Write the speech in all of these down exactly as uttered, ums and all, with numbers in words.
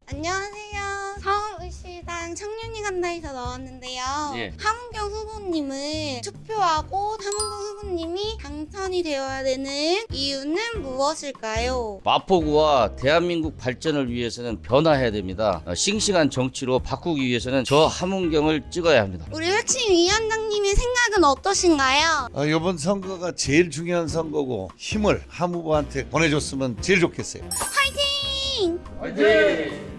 안녕하세요. 서울시당 청년이 간다에서 나왔는데요. 예. 함은경 후보님을 투표하고 함은경 후보님이 당선이 되어야 되는 이유는 무엇일까요? 마포구와 대한민국 발전을 위해서는 변화해야 됩니다. 어, 싱싱한 정치로 바꾸기 위해서는 저 함은경을 찍어야 합니다. 우리 혁신위원장님의 생각은 어떠신가요? 어, 이번 선거가 제일 중요한 선거고 힘을 함 후보한테 보내줬으면 제일 좋겠어요. 화이팅! 화이팅!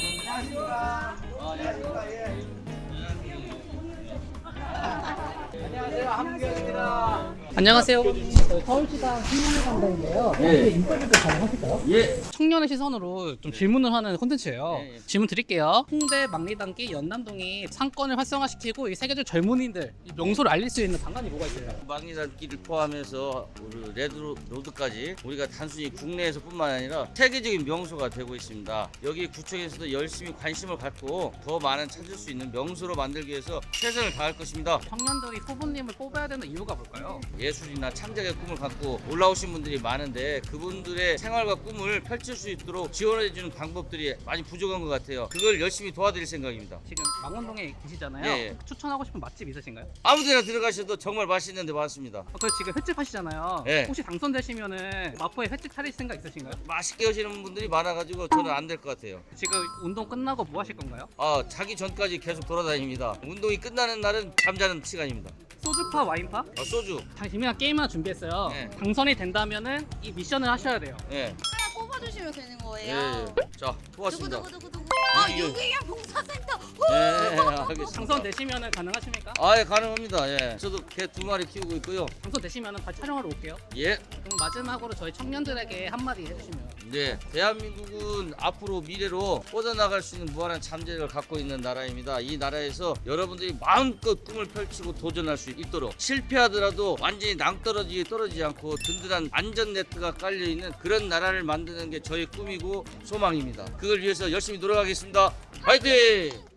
안녕하세요. 저희 서울시당 청년의 간다인데요. 예. 인터뷰도 가능하실까요? 예. 청년의 시선으로 좀 질문을 하는 콘텐츠예요. 예, 예. 질문 드릴게요. 홍대 막리단길 연남동이 상권을 활성화시키고 이 세계적 젊은이들 이 명소를 알릴 수 있는 방안이 뭐가 있어요? 막리단길을 포함해서 우리 레드로드까지 우리가 단순히 국내에서뿐만 아니라 세계적인 명소가 되고 있습니다. 여기 구청에서도 열심히 관심을 갖고 더 많은 찾을 수 있는 명소로 만들기 위해서 최선을 다할 것입니다. 청년들이 후보님을 뽑아야 되는 이유가 뭘까요? 예술이나 창작의 꿈을 갖고 올라오신 분들이 많은데 그분들의 생활과 꿈을 펼칠 수 있도록 지원해주는 방법들이 많이 부족한 것 같아요. 그걸 열심히 도와드릴 생각입니다. 지금 망원동에 계시잖아요. 예, 예. 추천하고 싶은 맛집 있으신가요? 아무데나 들어가셔도 정말 맛있는 데 많습니다. 어, 그 지금 횟집 하시잖아요. 예. 혹시 당선되시면은 마포에 횟집 차릴 생각 있으신가요? 맛있게 하시는 분들이 많아가지고 저는 안 될 것 같아요. 지금 운동 끝나고 뭐 하실 건가요? 아, 자기 전까지 계속 돌아다닙니다. 운동이 끝나는 날은 잠자는 시간입니다. 소주파, 와인파? 아, 소주. 참 재미난 게임 하나 준비했어요. 네. 당선이 된다면은 이 미션을 하셔야 돼요. 예. 하나 꼽아주시면 되는 예. 거예요. 예. 자, 고맙습니다. 두구두구두구두구. 아, 이게- 유기견 봉사센터. 예, 예, 알겠습니다. 당선되시면은 가능하십니까? 아, 예, 가능합니다. 예. 저도 개 두 마리 키우고 있고요. 당선되시면은 같이 촬영하러 올게요. 예. 그럼 마지막으로 저희 청년들에게 한마디 해주시면. 네, 대한민국은 앞으로 미래로 뻗어나갈 수 있는 무한한 잠재력을 갖고 있는 나라입니다. 이 나라에서 여러분들이 마음껏 꿈을 펼치고 도전할 수 있도록 실패하더라도 완전히 낭떠러지게 떨어지지 않고 든든한 안전 네트가 깔려 있는 그런 나라를 만드는 게 저의 꿈이고 소망입니다. 그걸 위해서 열심히 노력하겠습니다. 화이팅!